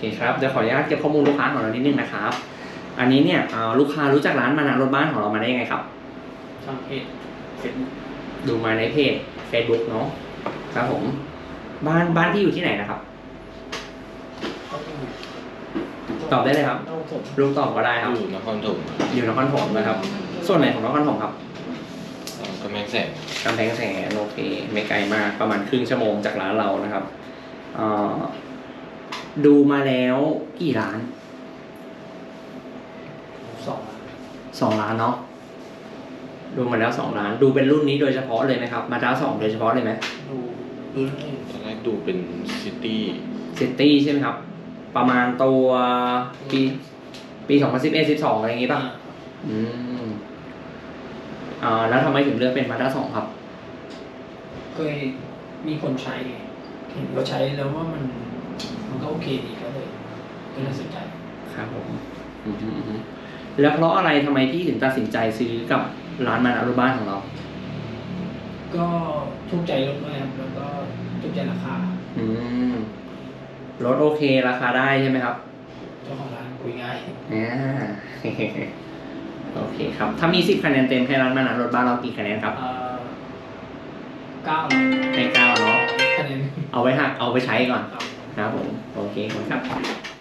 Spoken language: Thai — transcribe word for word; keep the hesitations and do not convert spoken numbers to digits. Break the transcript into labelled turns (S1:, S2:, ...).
S1: ครับเดี๋ยวขออนุญาตเก็บข้อมูลลูกค้าของเรานิดนึงนะครับอันนี้เนี่ยลูกค้ารู้จักร้านมานะรถบ้านของเรามาได้ยังไงครับ
S2: ทางเพจเฟซบุ๊ก
S1: ดูมาในเพจ Facebook เนาะครับผมบ้านบ้านที่อยู่ที่ไหนนะครับตอบได้เลยครับลูกตอบก็ได้ครับ
S3: อยู่นครถม
S1: อยู่นครถมนะครับส่วนไหนของนครถมครับ
S3: กำแพงแสน
S1: กำแพงแสนโอเคไม่ไกลมากประมาณครึ่งชั่วโมงจากร้านเรานะครับดูมาแล้วกี่ร้าน
S2: สอง
S1: สองล้านเนาะดูมาแล้วสองล้านดูเป็นรุ่นนี้โดยเฉพาะเลยไหมครับมาด้าสองโดยเฉพาะเลยไหม
S2: ดูดู
S3: ตอนแรกดูเป็นซิตี้
S1: ซิตี้ใช่ไหมครับประมาณตัวปีปีสองพันสิบเอ็ดสิบสองอะไรอย่างงี้ป่ะอืมอ่าแล้วทำไมถึงเลือกเป็นมาด้าสองครับ
S2: เคยมีคนใช้เห็นเขาใช้แล้วว่ามันมันก็โอเคดีก็เลยก็เลยสนใจ
S1: ครับผมแล้วเพราะอะไรทำไมพี่ถึงตัดสินใจซื้อกับร้านมานะรถบ้านของเรา
S2: ก็ถูกใจรถด้วยครับแล้วก็ถูกใจราคา
S1: อืมรถโอเคราคาได้ใช่ไหมครับ
S2: เจ้าของร้านคุยง่าย
S1: อ่าโอเคครับถ้ามีสิบคะแนนเต็มให้ร้านมานะรถบ้านเรากี่คะแนนครับ
S2: เก้า
S1: ให้เก้าเนาะ
S2: คะแนน
S1: เอาไว้หักเอาไปใช้ก่อนครับผมโอเคครับ